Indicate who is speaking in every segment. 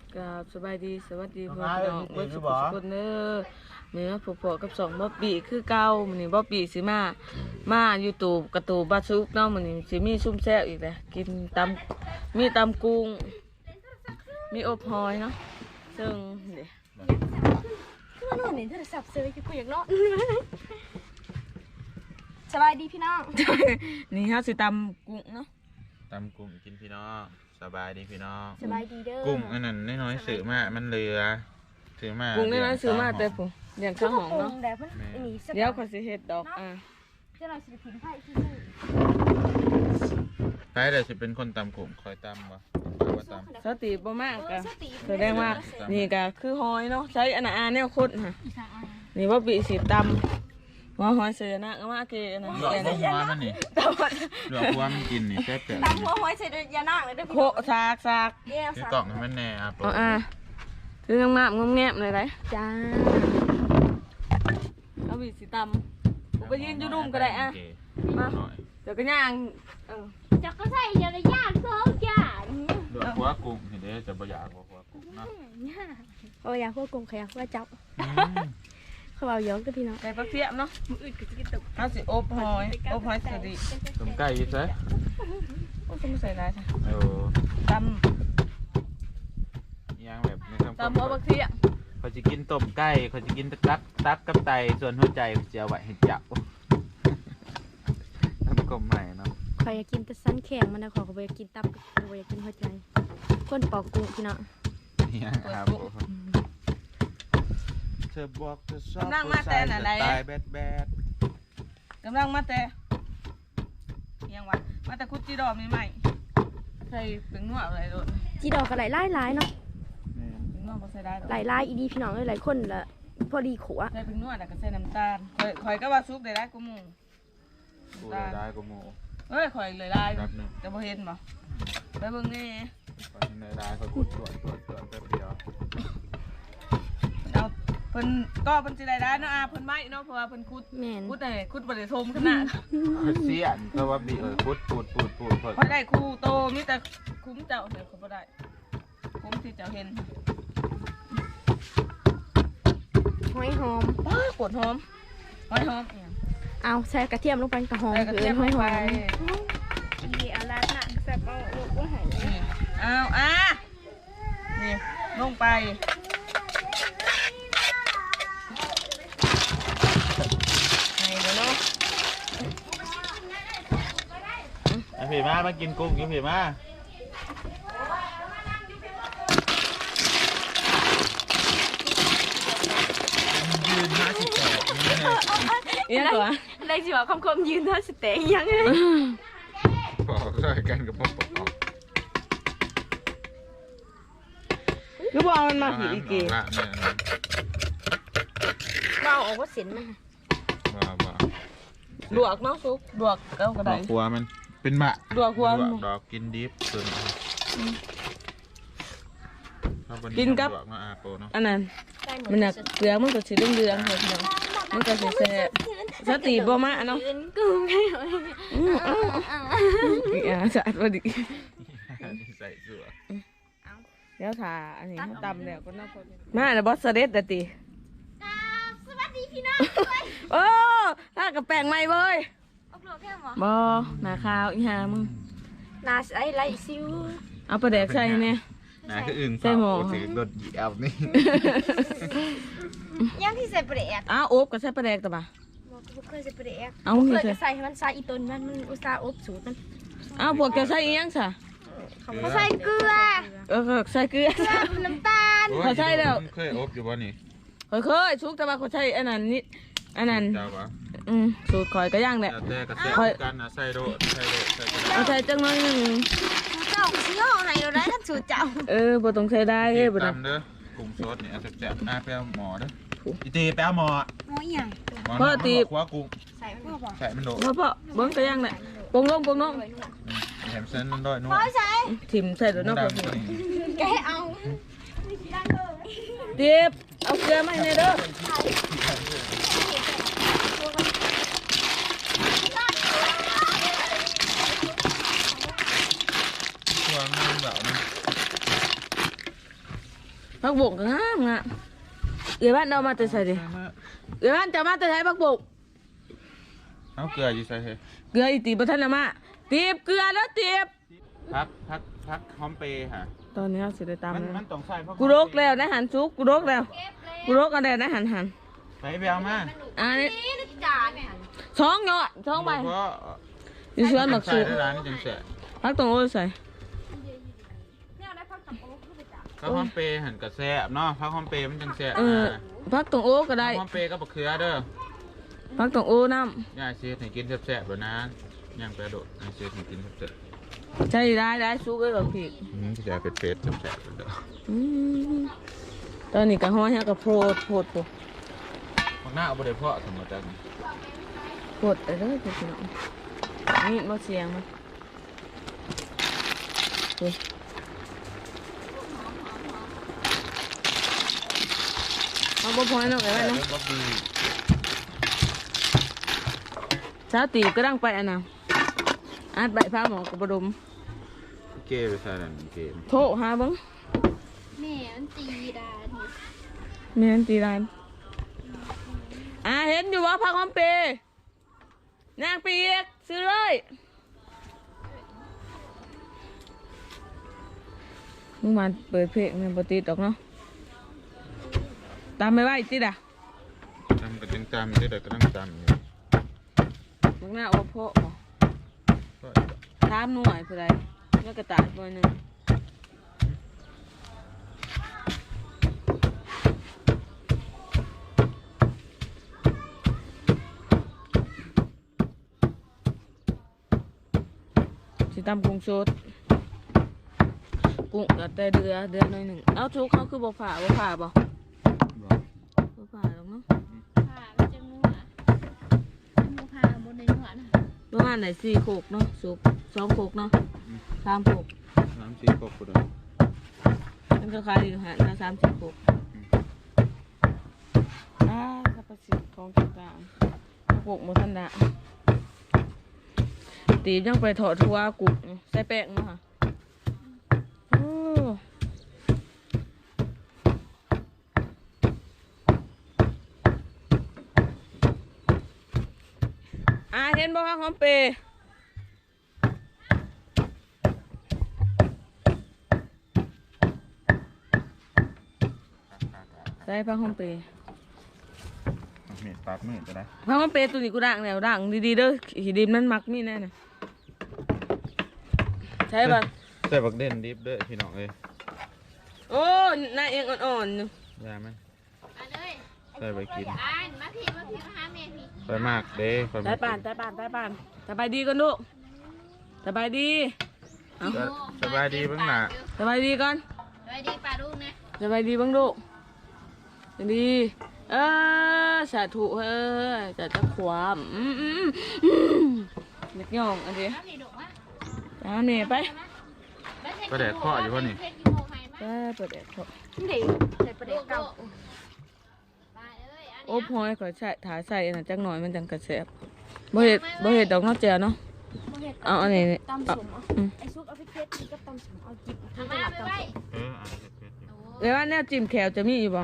Speaker 1: กับสบายดีสวัสดีพ่อพี่น้องเบิร์ดสุขสุขคนเด้อเมื่อผัวกับสองบ๊อบบี้คือเก่ามื้อนี้บ๊อบบี้สิมาอยู่ตูบกระตูบาซุกเนาะมื้อนี้สิมีซุ่มแซ่บอีกแหละกินมีตำกุ้งมีอบหอยเนาะซึ่งเดี๋ยว
Speaker 2: คือนอนเห็นโทรศัพท์เซยคือกูอยากนอนสบายดีพี่น้อง
Speaker 1: นี่เฮาสิตำกุ้งเนาะ
Speaker 3: ตำกุ้งกินพี่น้องสบายดีพี่น้อง
Speaker 2: สบายดีเด้อ
Speaker 3: กุ้งอันนั้นน้อยๆซื้อมามันเหลือซื้อมา
Speaker 1: กุ้งน้อยๆซื้อมาแต่ผมอย่างข้าวหอมเนาะเดี๋ยวขอสิเฮ็ดดอก
Speaker 2: จะเราสิถิ่นไผ่ที่นี่
Speaker 3: ใครเดี๋ยวจะเป็นคนตำกุ้งคอยตำวะว่าต
Speaker 1: ำสติบ่มากก็แสดงว่านี่ก็คือหอยเนาะใช้อันแนวคนค่ะนี่ว่าปีสิตำว่าหอยเสือนะก็มาเกนะ
Speaker 3: เหลือหัวมันนี่เหลือหัวมันกินนี่แซ่บ
Speaker 2: ตำหัวหอยใส่ยาหน้าเลยเด้อ
Speaker 1: โคซาก
Speaker 3: คือกล่องให้มันแน่ครับ
Speaker 1: คืองามๆแงบๆเลยได้
Speaker 2: จ้า
Speaker 1: เอาปีสิตำไปยืนอยู่ดุ่มก็ได้มาเดี๋ยวก็ย่าง
Speaker 2: จะก็ใส่ยาละย่างโซ่ย่าง
Speaker 3: เหลือหัวกุ้งเห็นเด้จะบ่อยากหัวกุ้งนะ
Speaker 2: อยากหัวกุ้งขยักว่าจับเขาเอาย้อนกับพี่น้อง
Speaker 1: ใส่ปลาเทียมเนาะมืออื่นก็จะกินตึกเอาสิอบหอยสวัสดี
Speaker 3: ต้มไก่ยิ่งใช่
Speaker 1: โอ้ต้องใส่ได้ใช่ต
Speaker 3: ำย่างแบบใน
Speaker 1: ตำหัวปลาเทียม
Speaker 3: เขาจะกินต้มไก่เขาจะกินตับกับไตส่วนหัวใจจะเอาไว้ให้จับทำกลมใหม่เนาะ
Speaker 2: ขออยากกินแต่สั้นแข็งมันนะขอเขาอยากกินตับเขาอยากกินหัวใจก้นปอกกุ้งพี่น้อง
Speaker 3: นี่ครับเธอบอกเธอชอบ
Speaker 1: กำลังมาแต่ไหนกำลังมาแต่ยังวะมาแต่คุดจีดอมนี่ใหม่ใส่เป็นนวดอะไรโดน
Speaker 2: จีดอกก็หลายเนาะ
Speaker 1: เป็นนวดใส่ได้
Speaker 2: หลายอีดีพี่น้องหลายคนละพอดีขว
Speaker 1: ใส่เป็นนวดแล้วก็ใส่น้ำตาลข่อยก็ว่าซุปได้กูมู
Speaker 3: ได้กูมู
Speaker 1: เฮ้ยข่อยเลยได้แต่พอเห็นบ่ไปเบิ่งนี่
Speaker 3: ได้ข่อยตรวจแป๊บเดียว
Speaker 1: เอาเพิ่นก็เพิ่นสิได้เนาะเพิ่นไม้เนาะเพราะว่าเพิ่นคุดได้คุดบ่ได้ทมขนาด
Speaker 3: เสียนเพราะว่าบีคุดปูด
Speaker 1: พอได้คู่โตมีแต่คุ้มเจ้าเดี๋ยวเขาบ่ได้คุ้มที่เจ้าเห็น
Speaker 2: หอยหอม
Speaker 1: ปวดหอมหอยหอม
Speaker 2: เอาใส่กระเทียมลงไปกระหอม
Speaker 1: กระเทียมหอยหอม
Speaker 2: เอาลาดหนักแซ่บเอาลูกว่าหาย
Speaker 1: เอานี่ลงไป
Speaker 3: ผีมากินกุ้งกินผีมายืน58
Speaker 1: ยังตัว
Speaker 2: ได้สิว่าคำยืน58ยังไง
Speaker 3: บอกใส่กันกับพ่อปอก
Speaker 1: คือบอกมันมาผีอีกกี่
Speaker 2: เราออกว่าสินมั้ย
Speaker 3: บ้า
Speaker 1: ลวกเนาะซุปลวกแล้วก็ได้
Speaker 3: หัวมันเป็นมะ
Speaker 1: ลวกหัว
Speaker 3: ดอกกินดิบส่วน
Speaker 1: กินกับอันนั้นมันน่ะเกลือมันก็สีเหลืองๆเลยมันก็สีแซ่บสติบ่มาเนาะสะอาดพอดี
Speaker 3: ใส่เสื้อ
Speaker 1: เดี๋ยวถ่าอันนี้ตำแล้วก็น่าพอดีมาแล้วบอสเด็ดตี
Speaker 2: สวัสดีพี่น้อง
Speaker 1: โอ้ถ้ากับแป้งใหม่เว้ยบ่หน้าขาวอีห่ามึง
Speaker 2: หน้าใสไหลซิว
Speaker 1: เอาปลาแดกใส่เนี่ย
Speaker 3: หน้าคืออึ่งใส่หม้อถือโดดเหยียบนี่
Speaker 2: ยังที่ใส่ปลาแดก
Speaker 1: อ้าวอบกับใส่ปลาแดกแต่ป่ะ
Speaker 2: เคยใส่ปลาแดก
Speaker 1: เอา
Speaker 2: เคยใส่ให้มันใส่อีต้นมันอุตส่าห์อบสูตรมัน
Speaker 1: อ้าวพวกแกใส่อีหยังซะ
Speaker 2: เขาใส่เกลือ
Speaker 1: ใส่เกลือ
Speaker 2: น้ำตาล
Speaker 1: เขาใส่แล้ว
Speaker 3: เคยอบอยู่บ่นี่
Speaker 1: เคยชุกแต่ว่าเขาใช้อันนั้นนี่อันนั้นสูตรคอยก็ย่างแหละ
Speaker 3: คอยกันนะใส่โด
Speaker 1: ใส่จังน้อยนึง
Speaker 2: เจ้าเชี่ยวไหนเราได้ทั้งสูตรเจ้า
Speaker 1: บ่ต้องใส่ได้
Speaker 3: บ่ต้องเด้อกุ้งสดนี่แซ่บๆไปเอาหม้อเด้ออีตีไปเอาหม้อ
Speaker 2: อีหยัง
Speaker 1: พ่อตี
Speaker 3: หัวกุ้ง
Speaker 2: ใส่มันบ่
Speaker 3: ใส่มันโด
Speaker 1: พ่อเบิ่งก็ย่างแหละปรุงลง
Speaker 3: แถมเส้นมันด้วยนู่น
Speaker 2: ใส่
Speaker 1: ถิ่มใส่แล้วเนาะ
Speaker 2: แกเอา
Speaker 1: เดี๋ยวเอาเกลือมาให้เด้อ
Speaker 3: ตัวมันแบบ
Speaker 1: ผักบกก็งามงะเอื้อบ้านเอามาแต่ใส่ดิเอื้อบ้านจะมาแต่ใส่ผักบก
Speaker 3: เอาเกลืออยู่ใส่เฮ้ย
Speaker 1: เกลืออีตีบทันละมาตีบเกลือแล้วตีบ
Speaker 3: พักหอมเปย์ค่ะ
Speaker 1: ตอนนี้เราสิได้ตาม
Speaker 3: มัน
Speaker 1: แล้ว
Speaker 3: มันต้องใส่เพราะ
Speaker 1: กูรกแล้วนะหันซุกกูรกแล้วกูรกกันแล้วนะหัน
Speaker 3: ไปไปเอามา
Speaker 1: อันนี้
Speaker 2: นี่จานเนี่ย
Speaker 1: ช้องเนาะช้องใบ
Speaker 3: เพราะ
Speaker 1: อยู่เชื่อหมัก
Speaker 3: ใส่
Speaker 1: ซุก
Speaker 3: ได้ร้านจังเสีย
Speaker 1: พักตรงโอ้ยใส่
Speaker 2: เนี่ยได้พักกับโอ๊คไปจ้ะ
Speaker 3: พักหอมเปย์หันกระแซ่บเนาะพักหอมเปย์มันจังแซ่บ
Speaker 1: พักตรงโอ้ก็ได้
Speaker 3: หอมเปย์ก็บักเขือเด้อ
Speaker 1: พักตรงโอ้น้
Speaker 3: ย่าเสียให้กินแซ่บๆแบบนั้นย่างไปโดดให้เสียให้กินแซ่บ
Speaker 1: ำใช่ได้ซุกไว้กับพี่
Speaker 3: ๆที่จะเป็นเฟสแซ่บๆเด้อ
Speaker 1: ตอนนี้กะห้อยฮะกับโพดโพด
Speaker 3: ข้างหน้าเอาไปเลยเพาะสมมติจัง
Speaker 1: โพดไปเลยพี่น้องนี่มาเสียงมันเอาบ่พอยเนาะไอ้ไว้เนาะ
Speaker 3: บ๊อบบี้
Speaker 1: สาวตีก็ดังไปอันน่ะอาดใบผ้าหมอกระบดม
Speaker 3: เก้ไปใส่นั่นเก้
Speaker 1: โทรหาเบัง
Speaker 2: แม่มันตีดาที
Speaker 1: แม่นตีร้านเห็นอยู่ว่าพักหอมเปย์นางปีกซื้อเลยมึงมาเปิดเพลงเนี่ยปกติดอกเนาะตามไม่ไหวติดอ่ะ
Speaker 3: จำกันจังจำได้แต่ก็ต้องจำอยู่
Speaker 1: มึงน่าโอโพะบ่ถามหน่วยผู้ใดแล้วกระต่ายตัวหนึ่งสิตำกุ้งสดกุ้งกับแต่เดือหน่อยหนึ่งเอาทุกเขาคือบ่ผ่าบ่ผ่าหรอกเนาะ
Speaker 2: ผ่ามันจะงัวมูผ่าบนในหัวนะ
Speaker 1: ประมาณไหน4 โขกเนาะสุก2 โขกเนาะ3 โขก
Speaker 3: น้ำซีกบกูเด้อ
Speaker 1: มันก็ขายอยู่หาละ30 โขกสัพพสิทธิ์ของต่างๆโขกหมดทันดะตีบยังไปถอดทัวกุกใส่แป้งมาค่ะโอ้เห็นบ่คะหอมเปย์ใส่ผ้าหอมเปย์
Speaker 3: เม็ดปากมืดจะได้
Speaker 1: ผ้าหอมเปย์ตัวนี้กูด่างแล้วด่างดีๆเด้อขีดิมนั่นมักมีแน่น่ะใช่ป่ะ
Speaker 3: ใส่บักเด่นดิบเด้อพี่น้องเอ้ย
Speaker 1: โอ้หน้าเองอ่อนๆอยู่
Speaker 3: ยาไหม
Speaker 2: อันเลย
Speaker 3: ใส่ไปกิน
Speaker 2: อ่านมาพี่มาหาแม่พี่
Speaker 3: ไปมากเด้ไป
Speaker 1: ตายป่านสบายดีก่อนลูกสบายดีเอา
Speaker 3: สบายดีเบ้างหน่ะ
Speaker 1: สบายดีก่อน
Speaker 2: สวัสดีป้าลูกนะ
Speaker 1: สบายดีบ้างลูกสบายดีสาธุเฮ้ยจะตะขวามเล็กย่องอันนี้
Speaker 2: มาพี่ดุมา
Speaker 1: ตามนี่ไป
Speaker 3: ก็แดดข้ออยู่ป่ะนี่
Speaker 1: เปิดแอร์เขา
Speaker 2: เด็กใส่ประเด็กเก่า
Speaker 1: โอ้พอยขอใส่ถ่ายใส่น่ะจังหน่อยมันจังกระแสบบ่เห็ดดอกนอกเจียเนาะเอาอันนี้
Speaker 2: ตำสมไอ้ซุปเอาไปเทสนี่ก็ตำสมเอาจิบทำมาไปไว้
Speaker 3: อ่านเผ็ดอยู่
Speaker 1: เดี๋ยวว่าแนวจิ้มแขวจะมีอยู่บ่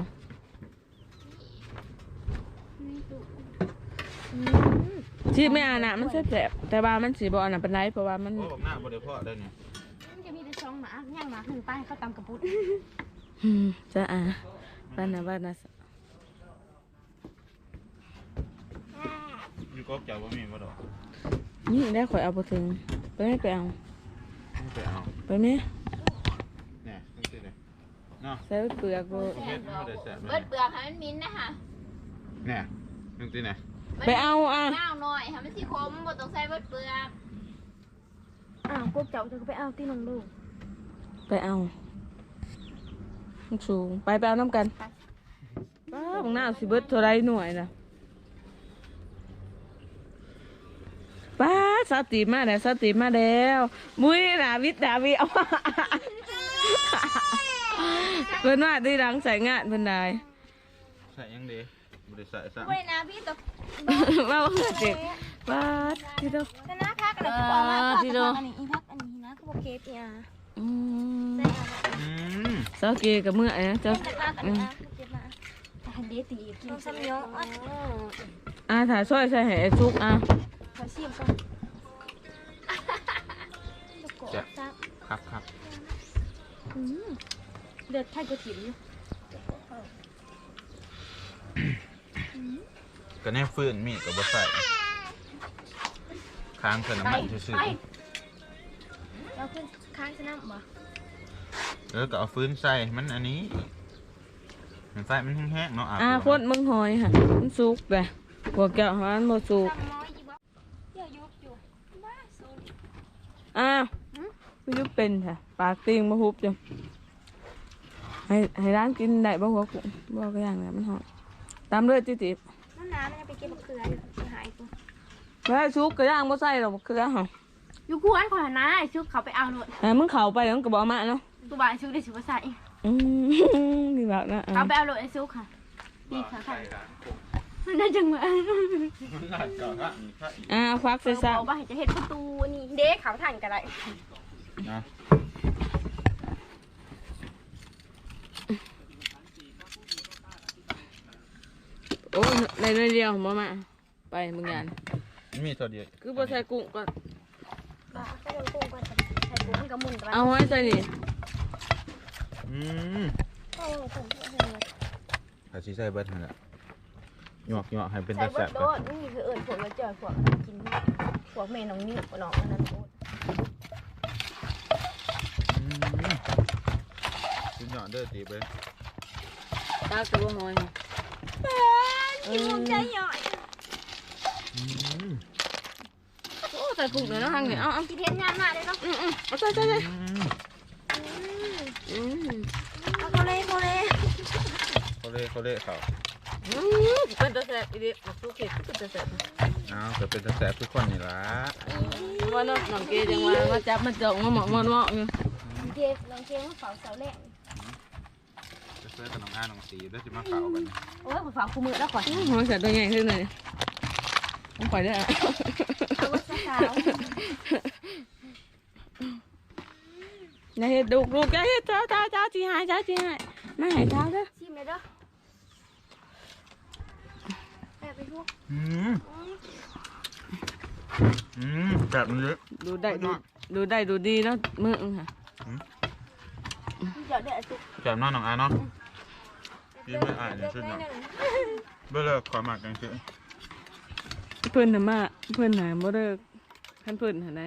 Speaker 1: ที่ไม่อ่านน่ะมันแสบๆแต่ว่ามันสีบ่อ่านน่ะเป็นไรเพราะว่ามัน
Speaker 3: โอ้บักหน้าบ่ได้เพาะได้นี่
Speaker 2: มันจะมีแต่ช่องหมาย่างหมาหนึ่งป้ายเขาตำกระปุก
Speaker 1: จะบ้านนะ
Speaker 3: อยู่กบเจ้าบ่มีบ่ดอก
Speaker 1: นี่ได้ข่อยเอาไปถึงไปไม่ไปเอา
Speaker 3: ไม่ไปเอา
Speaker 1: ไปไหม
Speaker 3: เนี่ยจังซี่เลยเนาะ
Speaker 1: ใส่เปลือกบ่
Speaker 3: เฮ็ดบ่ได้แซ่บ
Speaker 2: เบิดเปลือกให้มันมิ้นนะคะ
Speaker 3: เนี่ยจังซี่เนี่ย
Speaker 1: ไปเอา
Speaker 2: น้าวหน่อยค่ะมันสีคมบ่ต้องใส่เบิดเปลือก
Speaker 4: พวกเจ้าเธอก็ไปเอาที่น้องลูก
Speaker 1: ไปเอาสูงไปเอาน้ำกันป้าบางหน้าสิเบิดเท่าไรหน่วยนะป้าสติมาแล้วมุ้ยดาวิดเอา เพิ่นว่าดีดังใส่งานเพิ่นได้
Speaker 3: ใส่ยังดีบ่ได้ใส่ซะ
Speaker 2: เว้ยนะพี่ตบ
Speaker 1: ว่าเจ็บป้าที่เด้อ
Speaker 4: แต่หน้าพักอะไรก็บอกมา
Speaker 1: ที่โด
Speaker 4: อันนี้อีพักอันนี้นะก็บอกเคสเนี่ย
Speaker 1: อืม
Speaker 4: ใส่อะไร
Speaker 3: อืม
Speaker 1: สาเกกับเมื่อไอ้นะเจ้า
Speaker 4: เจ็บมากอันนี้เจ็บมากอันเดตีกินซ้ำย้อน
Speaker 1: ถ่ายซอยใส่แห่ซุก
Speaker 4: เขาชิมก่อน
Speaker 3: ครับ
Speaker 4: เดือดไทยก๋วยเตี๋ยวอยู่
Speaker 3: ก็แน่ฟื้นมีกับบ่ใส่ค้างเสน้ำมันซื่อ
Speaker 4: เราขึ้นค้างชนะบ่
Speaker 3: ๆก็เอาฟื้นใส่มันอันนี้มันไฟมันแห้งๆเนาะ
Speaker 1: โคตรมึงหอยค่ะมันซุกเลยพวกแก้วมันบ่ซุก
Speaker 4: จำน้อยยี่บ่เดี๋ยวยุบอยู่บ้าสูน
Speaker 1: ไม่ยุบเป็นค่ะปากติงมาฮุบจ้ะให้ร้านกินได้บ่หัวกุ้งบ่ก็อย่างนั้นมันหอมตามด้วยจิ๊บ
Speaker 4: น้ำมันยังไปเก็บมะเขืออยู่หายกู
Speaker 1: ไม่ให้ซุกก็ย่างบ่ใส่หรอกคือหรอ
Speaker 4: อยู่กวนก่อนนะชุบเขาไปเอาหนวด
Speaker 1: มึงเข้าไปแล้วมึงก็บ่มาเนาะ
Speaker 4: ตัวบ่ายชุบได้ชุบใส่
Speaker 1: นี่แบบนะ
Speaker 4: เอาไปเอาหนวดไอ้ชุบค่ะนี่ค่ะมันน่าจังเหมือน
Speaker 1: ฟักใส่ซะ
Speaker 4: บอกว่าจะเห็นประตูนี่เด็กเขาถ่านกันไร
Speaker 1: โอ้ยในเดียวมามาไปมึงงาน
Speaker 3: มีตัวเดียว
Speaker 1: คือบ่ใส่กุ้งก็
Speaker 4: บ้าใส่กุ้งก่อนใส่กุ้งกับมุนกัน
Speaker 1: เอาไว้ใส่นี่
Speaker 3: ถ้าสิใส่เบิดนั่นแหละหยวกให้เป็น
Speaker 4: ใส่
Speaker 3: ตะ
Speaker 4: เบิ
Speaker 3: แซ่
Speaker 4: ร์
Speaker 3: บ
Speaker 4: ดโดดนี่คือเอิญผลมาเจอพวกกินพวกเมน้องนี่น้องอันนั้นโดด
Speaker 3: สุดยอดเด้อตีไป
Speaker 1: ตาตัวหอย
Speaker 4: กินมุมใจหย่อย
Speaker 1: โอ้ใส่กุ้งเลยนะทางนี้เอา
Speaker 4: กินเทียนงานมาเลยเนาะ
Speaker 1: เอาใส่เอา
Speaker 4: เขาเลยเขาเลย
Speaker 3: เขาเล่เขา
Speaker 1: เป็นตะแซ่บอีเด็กซุกเห็ดเป็นตะแซ่บ
Speaker 3: เกิดเป็นตะแซ่บทุกคนนี่ล่ะ
Speaker 1: ว่าน้องเกจังว่าจับมาจ่องมาหมอกอยู่
Speaker 4: เจฟลองเจฟมาเฝ้าเสาแรก
Speaker 3: จะเสื้อกับน้องอาน้องสีแล้วจะมาเฝ้ากัน
Speaker 4: โอ้ยเฝ้าคู่มือแล้วก่อน
Speaker 1: หอยใส่ตัวใหญ่ขึ้นเลยต้องปล่อยได้อะ
Speaker 4: เอาว่าสาว
Speaker 1: อย่าเห็ดลูกอย่าเห็ดเจ้าจีหายไม่หายเจ้าเด้อ
Speaker 4: ชิมเลยเด้อไปทุก
Speaker 3: แบบนี้
Speaker 1: ดูได้ดูดีแล้วมือค่ะ
Speaker 4: เดี๋ยวเดี๋ยวสุก
Speaker 3: แบบน้องอาเนาะยิ้มไม่อายเลยชุดเนาะเบื่อเลิกขอหมักกันสิ
Speaker 1: เพื่อนน่ะมาเพื่อนหาบ่เลิกท่านเพื่อนหาไหน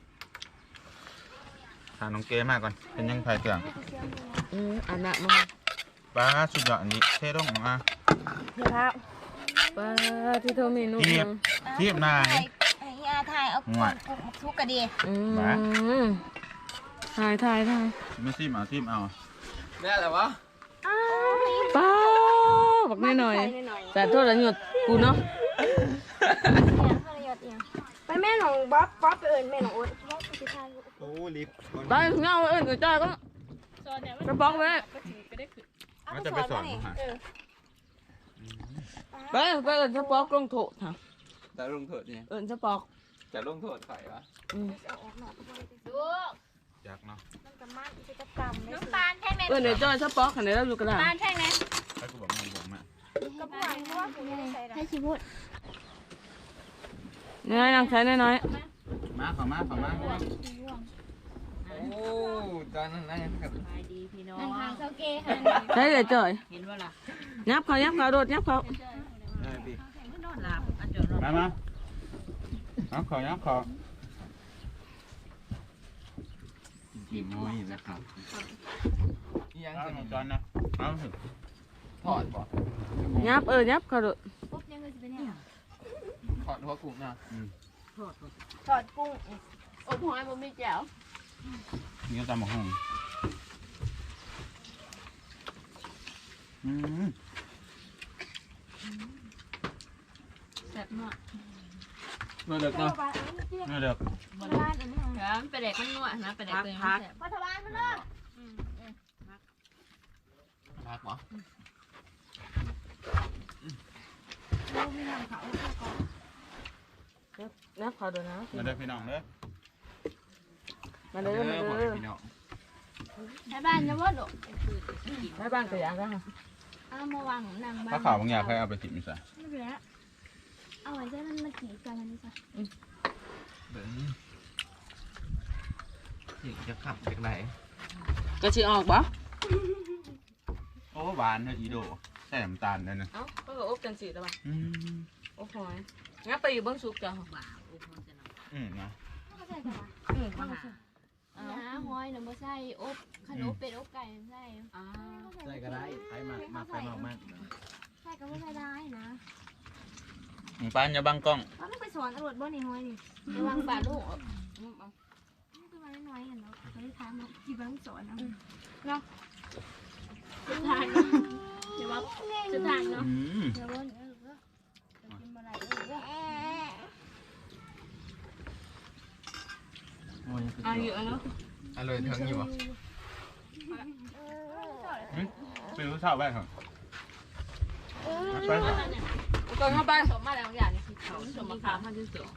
Speaker 3: ถามน้องเก๋มากก่อนเป็นยังไงเสื่อง
Speaker 1: อันน่ะมา
Speaker 3: ป้าสุดยอดอันนี้เท่ต้องน้องอา
Speaker 4: เดี๋ยวครับ
Speaker 1: ป้าที่โทรเมนู
Speaker 3: เทียบนาย
Speaker 4: ไอ้ยาถ่ายเอากุ้งทุกกระเดีย
Speaker 1: ถ่าย
Speaker 3: ไม่ซิมเอา
Speaker 5: เนี่ยอะไรวะ
Speaker 1: ป้าบอกหน่อยแต่โทษแล้วหยุดกูเนาะ
Speaker 4: ไปแม่หนองบ๊อบไปเอิญแม่หนองโอ๊ตบ๊อบไปทาน
Speaker 3: โอ้ลิฟต์
Speaker 1: ไปเงาเอิ้นกูจ้าก็กระป๋องไป
Speaker 3: มันจะไปสอนฮะ
Speaker 1: ไปเอิ้นสปอกลงโถค่ะ
Speaker 5: แต่ลงโทษเนี่ย
Speaker 1: เอิ้นสปอก
Speaker 5: จะลงโทษใครวะ
Speaker 3: อยากเนาะ
Speaker 4: น้ำตาลใช่ไหม
Speaker 1: เอิ้นเดี๋ยวจ้อยสปอกค่ะเดี๋ยวเราดูกระดาษ
Speaker 4: ตาลใช่ไหม
Speaker 3: ให้กูบอกมึงผมอ่ะ
Speaker 4: กระป๋องเพราะว่าผมไม่ได้ใส่ให้ชิบุต
Speaker 1: น้อยนางใช้น้อย
Speaker 3: มาขอมา
Speaker 5: โอ้ตอนนั้นนะครับ
Speaker 4: นั่งทางเซาเก้ค่ะ
Speaker 1: ใช้เดี๋ยวจ้อยยับเขาโดดยับเขา
Speaker 3: ได้พี่มายับขอกินน้อยนะครับ
Speaker 5: ยัง
Speaker 3: เอา
Speaker 5: จะ
Speaker 3: หนึ่งจานนะเอาสิ
Speaker 5: ถอดบ่
Speaker 1: ยับยับเขาโดด
Speaker 4: ปุ๊บยังไงจะเป็นเนี่ย
Speaker 5: ถอดหัวกลุ่มนะ
Speaker 4: ทอดกุ้ง
Speaker 1: อบหอยบ่มีแจ่ว
Speaker 3: นี่ก็ตำหมกห้อง
Speaker 1: แซ่บมาก
Speaker 5: เมื่อเด็กเนาะ
Speaker 3: นี่เด็ก
Speaker 4: บ้านอันนี้
Speaker 1: ครับไปเด็กมันนวดนะไปเด็กตัวนี้แซ่บ
Speaker 4: พัฒบาลมันเนาะ
Speaker 5: รักบ่
Speaker 1: ยับเขาโดดนะ
Speaker 3: มาเด้อพี่น้องเด้อ
Speaker 1: มาเด้อ
Speaker 5: พี่น้อง
Speaker 4: ให้บ้านจะว่าดอก
Speaker 1: ให้บ้านก็อยากได้ค่ะ
Speaker 4: เอามาวางหนังบ้าน
Speaker 3: ถ้าข่าวบางอย่างใครเอาไปจิบมิสะ
Speaker 4: ไม่เป็นไรเอาไว้ใช้มันมากี่กันนี่จ้ะ
Speaker 5: เดี๋ยวนี้จะขับจากไหน
Speaker 1: ก็สิออกบ่
Speaker 3: โอ้หวานเฮ้ยอีโดใส่น้ำตาลนั่นนะ
Speaker 1: เอ้าก็อบจังสิแล้วบ่
Speaker 3: อืม
Speaker 1: โอ้โหยงั้นไปอยู่เบิ่งสุกจ้ะบ่า
Speaker 3: นะ
Speaker 4: ก็ใส่กัน
Speaker 1: มาหา
Speaker 4: นะหอยหนูบ่ใส่อบขนมเป็ดอบไก่ใส่
Speaker 1: อ่า
Speaker 5: ใส่ก็ได้ไปมาไปมาก
Speaker 4: ใส่ก็ไม่ใส่ได้นะ
Speaker 3: ปานอย่าบังกล้อง
Speaker 4: เราต้องไปสอนตำรวจบ่นี่หอยนี่ระวังบาดลูกนี่คือมันน้อยๆเห็นเนาะเขาได้ถามกี่บ้างสอนเนาะสุดท้ายเดี๋ยวว่าสุดท้ายเนาะ
Speaker 3: อืม
Speaker 4: เดี๋ยวว่ากินอะไร
Speaker 5: โอ้ย
Speaker 1: อายุเนาะ
Speaker 5: อร่อยเทิงอยู่บ่
Speaker 3: เป็นรู้ชาวบ้านครับไปครับ
Speaker 1: ก่อนเข้าไปสมมาแล้วอย่างนี้เขาสมมาค้างพันที่สอง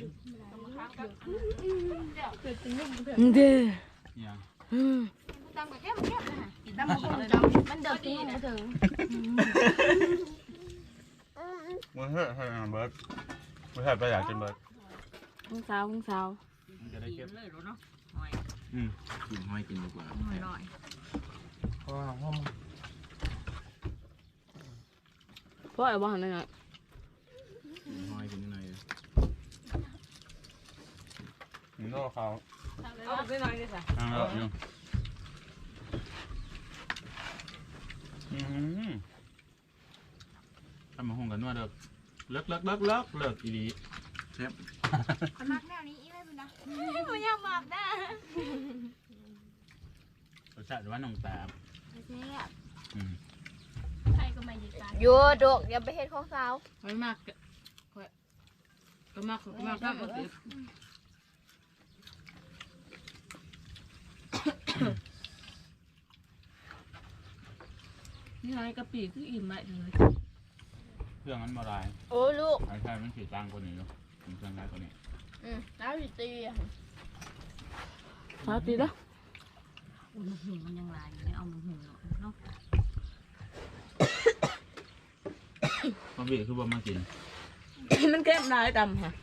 Speaker 1: เด้อ
Speaker 3: อย่าง
Speaker 4: ตามกับแก้มนะตามกับมันเดือดตีนะถึง
Speaker 3: มันเฮ้ยเฮ้ยเบิร์ดไม่ใช่ไปอยากกินเบิร์ด
Speaker 1: พุ่งสาว
Speaker 3: มันจะได้เก็บ
Speaker 1: เลยรู้เนาะ
Speaker 5: กินห้อยกินดีกว่า
Speaker 1: หน่อย
Speaker 5: เพราะว่าห้อง
Speaker 1: เพราะไอ้บ้านนั่นไง
Speaker 5: กินห้อยกินหน่อย
Speaker 3: มันก็เขา
Speaker 1: เอาไปหน่อยดิจ้ะ
Speaker 3: อยู่ทำมาห้องกันว่าเลิกอีดีเชฟ
Speaker 4: คนมักแนวนี้อีไม่เป็นนะไม่อยากมักนะ
Speaker 3: รสชาติว่าน้องตาบ
Speaker 4: ใครก็ไม่ดีกัน
Speaker 2: โยดกอย่าไปเฮ็ดของสาว
Speaker 1: ไม่มากก็มากครับมาสินี่ไงกะปิคืออิ่มไหมเลย
Speaker 3: เครื่องนั้นมาลาย
Speaker 2: โอ้ลูก
Speaker 3: ไอ้ใช่มันขีดตังกว่านี้เนาะเครื่องร้ายกว่านี้
Speaker 2: น้ำสิตี
Speaker 1: มาตีละ
Speaker 6: มันหิวมันยังลายอยู่เนี่ยเอามันหิวเนาะ
Speaker 3: มันบีคือบ่มากิน
Speaker 1: มันเข้มได้ดำค่ะ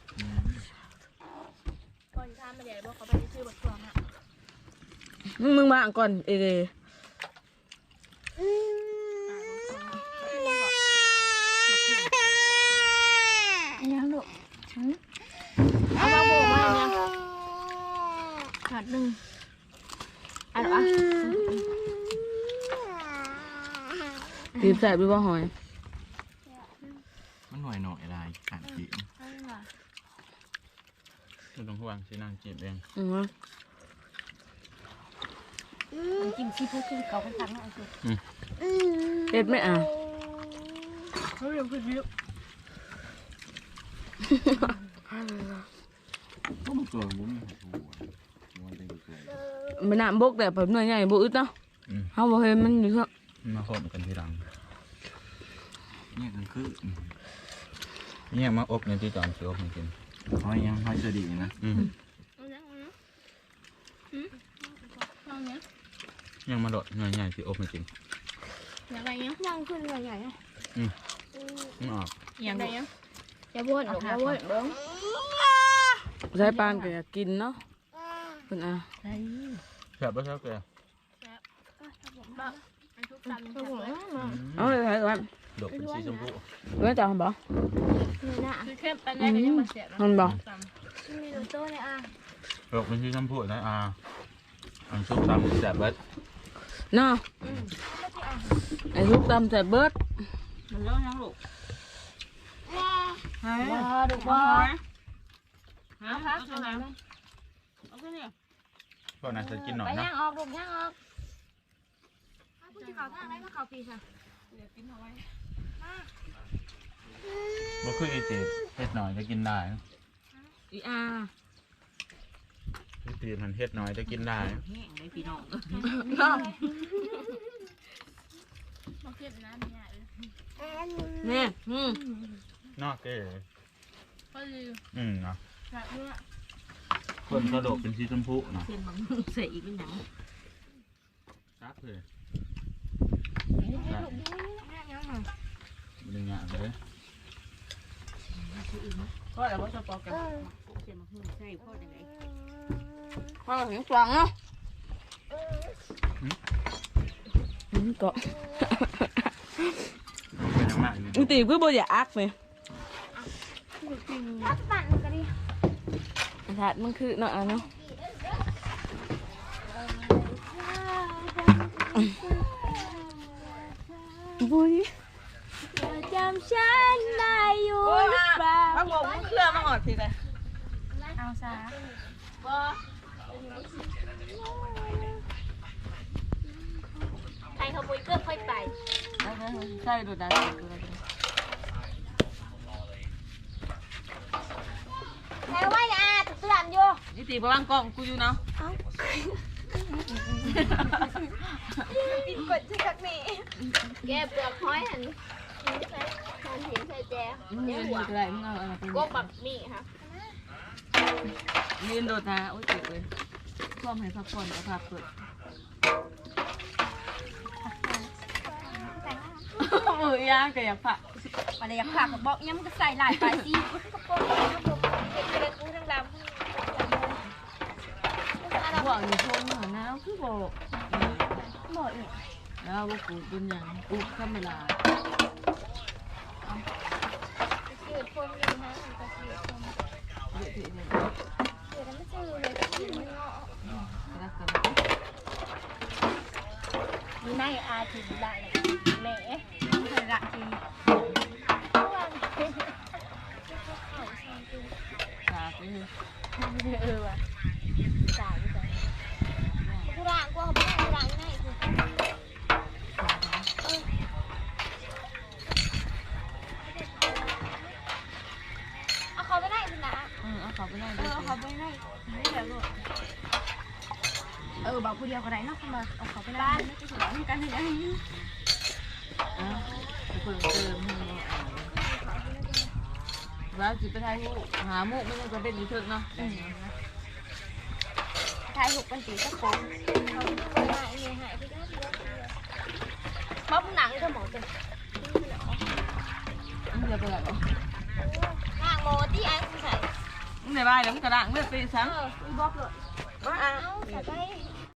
Speaker 4: ก่อนทำมาเดี๋ยวบอกเขาไปซื้อบทความอ่ะ
Speaker 1: มึงมาก่อนเอเด
Speaker 4: ยังลูก
Speaker 2: เอามาโบมาเนี่ยขาดหนึ่งอันอ่ะ
Speaker 1: ตีบแสบหรือว่าหอย
Speaker 5: มันหน่อยลายขาดจีบ
Speaker 3: มันต้องห่วงสินางจีบเอง
Speaker 4: มันกินซีฟู้ดคือเก่าเป็นครั้งแรกคือ
Speaker 1: เอ็ดไม่อ่ะ
Speaker 4: เขาเรียกคือเยอะ
Speaker 5: ก็มันเกินบุ้มมันเป็นเกิน
Speaker 1: มันน้ำบกแต่แบบหน่วยใหญ่บุอึดเนาะเขาบอกเห็นมันอยู่เถอะ
Speaker 3: มาโคตรกันทีหลัง
Speaker 5: เนี่ยมันคือ
Speaker 3: เนี่ยมาอบในที่จอมเสืออบมากิน
Speaker 5: ห้อยยังห้อยจะดีนะ
Speaker 3: ยังมาโดดใหญ่ๆที่อบมากิน
Speaker 4: อย่างไรเงี้ยยังขึ้นใหญ่ๆอ่ะ
Speaker 3: ไม่ออก
Speaker 6: อย่าง
Speaker 4: ไรเงี้ย
Speaker 2: อย่าบ่นลูกอย่าบ่นเบิ้ง
Speaker 1: ใช้ปานก็อยากกินเนาะเป็นอ่ะ
Speaker 3: แซ่บป่ะแซ่บแก
Speaker 4: ทุกตำ
Speaker 2: ลูกเอ้ยมา
Speaker 1: เอาเลยให้ก่อน
Speaker 3: ดกเป็นสีชมพู
Speaker 1: เว้ยจ่าบอก
Speaker 2: นี่นะ
Speaker 4: คือเข้มไปแล้วก็ยังมาเสียบ
Speaker 1: มันบอก
Speaker 4: มีโลโต้เลยอ่ะ
Speaker 3: ดกเป็นสีชมพูนะอันซุปตำแซ่บเบิด
Speaker 1: เนาะไอ้ทุกตำแต่เบิด
Speaker 6: มันเล่ายังลูก
Speaker 2: ว้าดูว่า
Speaker 6: ฮะเอาตัวไหนเอาตัวนี้
Speaker 3: พวกนั้นจะกินหน่อ
Speaker 2: ไป
Speaker 3: ยนะ
Speaker 2: ย่างออกลูกย่างออก
Speaker 4: พูดที่เขาทางไหนมาเขาปีค่ะ
Speaker 3: บ่คืออีจีบเฮ็ดหน่อยจะกินได้
Speaker 1: อีอา
Speaker 3: อีจีบมันเฮ็ดหน่อยจะกินได้
Speaker 6: แห้งเลยพี่น้อง
Speaker 1: เนาะ
Speaker 4: มาเข้มนะเนี่ย
Speaker 1: เนี่ย
Speaker 3: นอกเก๋
Speaker 4: ก็คือ
Speaker 3: เนาะ
Speaker 4: แบบนี้
Speaker 3: คนกระโดดเป็นสีชมพูเนาะ
Speaker 6: เส้นบางเสียอีกเป็นหยัง
Speaker 5: เฮ้ย
Speaker 4: ลูกดูยังมา
Speaker 5: ไม่ได้งานเลย
Speaker 1: ก็แล้วบ่สปอกัน
Speaker 6: เสียมาพูดใช่พ่อจังไง
Speaker 1: พอถึงฟังเนาะก็
Speaker 3: เป็นยังไง
Speaker 1: มึงตีคือบ่อยากอักเลย
Speaker 4: รักปั่นกันดิ
Speaker 1: ถาดมันคือเนาะอ่ะเนาะบุย
Speaker 4: จำฉันได้อยู่หรือเปล่า
Speaker 1: พระบอกมึงเคลื่อนมาหอดสิเลย
Speaker 4: เอาซะใครขโมยเกือบค่อยไป
Speaker 1: ใช่ดูดา
Speaker 4: แล้วว่าเนี่ยตุ๊กตาอยู่
Speaker 1: นี่ตีประวังกล้องกูอยู่เนาะ
Speaker 4: ปิดกดที่กักนี่แกเปลือกหอยหันใส่ทานเห็นใส่แจ
Speaker 1: มึงยืนอยู่ไรมึงเอาอะไรไป
Speaker 4: กบแบบนี้ค่ะ
Speaker 1: ยืนโดดนะโอ้ยเจ็บเลยท่วมให้พักผ่อนกับพักเปิดมือย่างก็อยากผัก
Speaker 2: อะไรอยากผักบอกยังมันก็ใส่หลายไปสิ
Speaker 4: กระโปรงกระโปรงเก็บกระปูทั้งลำ
Speaker 1: บอกอยู่ชมเหมือนนะคือบอก
Speaker 2: บอกอีก
Speaker 1: แล้วว่ากูเป็นอย่างกูธรรมดา
Speaker 4: จืดพรมเลยฮะมันก็จืดพรม
Speaker 1: เยอะทีเดียว
Speaker 4: จืดแล้วไม่จืดเลยจืดมันเงาะ
Speaker 1: รักกัน
Speaker 2: มีในอาทิตย์ได้เลยแม่เคยละที
Speaker 1: สาไปเลย
Speaker 2: ว่ะ
Speaker 4: สายไปกูร่างกูเขาไม่ได้ร่างง่ายคือเอาเขาไปได้สินะ
Speaker 1: เอาเขาไปได้
Speaker 2: เขาไปไหนไม่เดี๋ยวลูกบอกผู้เดียวก็ได้เนาะมาเอาเขาไปบ้านไม่จะสอนกันยังไง
Speaker 1: เปิดเติมแล้วจิไปไทยหามุกไม่ต้องจะเป็นดีเถิดเนาะ
Speaker 2: ทายหุบกันตีตะโกน
Speaker 4: เขาดูหายเนี่ยหายไปได้ทีละที
Speaker 2: ม็อบหนังก็หมอเต็ม
Speaker 1: มึงจะไปไหน
Speaker 4: ร่างโมที่ไอ้คุณใส่
Speaker 1: มึงในบ้านแล้วมึงกระด้างเลือดไปซ้
Speaker 4: อีบอกเลย
Speaker 1: ำว่า
Speaker 4: เอาใส่ไป